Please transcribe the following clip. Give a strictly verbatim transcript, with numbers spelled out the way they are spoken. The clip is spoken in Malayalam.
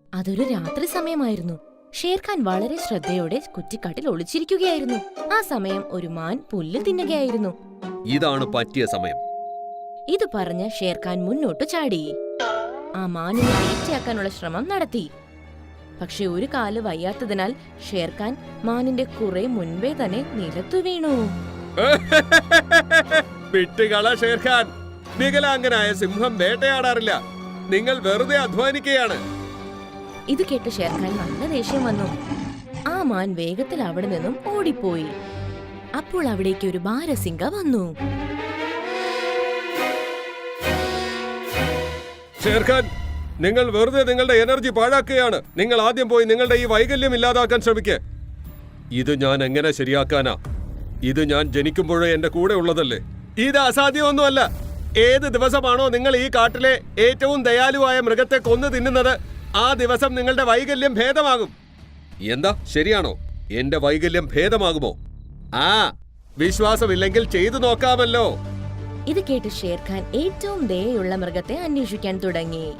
അതൊരു രാത്രി സമയമായിരുന്നു. ഷേർഖാൻ വളരെ ശ്രദ്ധയോടെ കുറ്റിക്കാട്ടിൽ ഒളിച്ചിരിക്കുകയായിരുന്നു. ആ സമയം ഒരു മാൻ പുല്ല് തിന്നുകയായിരുന്നു. ഇതാണ് പറ്റിയ സമയം. ഇത് പറഞ്ഞ് ഷേർഖാൻ മുന്നോട്ട് ചാടി. ആ മാനിനെ വേട്ടയാക്കാനുള്ള ശ്രമം നടത്തി. പക്ഷെ ഒരു കാല് വയ്യാത്തതിനാൽ ഷേർഖാൻ മാനിന്റെ കുറെ മുൻപേ തന്നെ നിലത്തു വീണു. വിട്ടുകള ഷേർഖാൻ, വികലാംഗനായ സിംഹം വേട്ടയാടാറില്ല. നിങ്ങൾ വെറുതെ അധ്വാനിക്കുകയാണ്. ഇത് കേട്ട് ഷേർഖാൻ നല്ല ദേഷ്യം വന്നു. ആ മാൻ വേഗത്തിൽ അവിടെ നിന്നും ഓടിപ്പോയി. അപ്പോൾ അവിടേക്ക് ഒരു ബാരസിംഗ വന്നു. ഷേർഖാൻ, നിങ്ങൾ വെറുതെ നിങ്ങളുടെ എനർജി പാഴാക്കുകയാണ്. നിങ്ങൾ ആദ്യം പോയി നിങ്ങളുടെ ഈ വൈകല്യം ഇല്ലാതാക്കാൻ ശ്രമിക്കുക. ഇത് ഞാൻ എങ്ങനെ ശരിയാക്കാനാ? ഇത് ഞാൻ ജനിക്കുമ്പോഴേ എന്റെ കൂടെ ഉള്ളതല്ലേ. ഇത് അസാധ്യമൊന്നുമല്ല. ഏത് ദിവസമാണോ നിങ്ങൾ ഈ കാട്ടിലെ ഏറ്റവും ദയാലുവായ മൃഗത്തെ കൊന്നു തിന്നുന്നത്, ആ ദിവസം നിങ്ങളുടെ വൈകല്യം ഭേദമാകും. എന്താ, ശരിയാണോ? എന്റെ വൈകല്യം ഭേദമാകുമോ? ആ, വിശ്വാസമില്ലെങ്കിൽ ചെയ്തു നോക്കാമല്ലോ. ഇത് കേട്ട് ഷേർഖാൻ ഏറ്റവും ദയയുള്ള മൃഗത്തെ അന്വേഷിക്കാൻ തുടങ്ങി.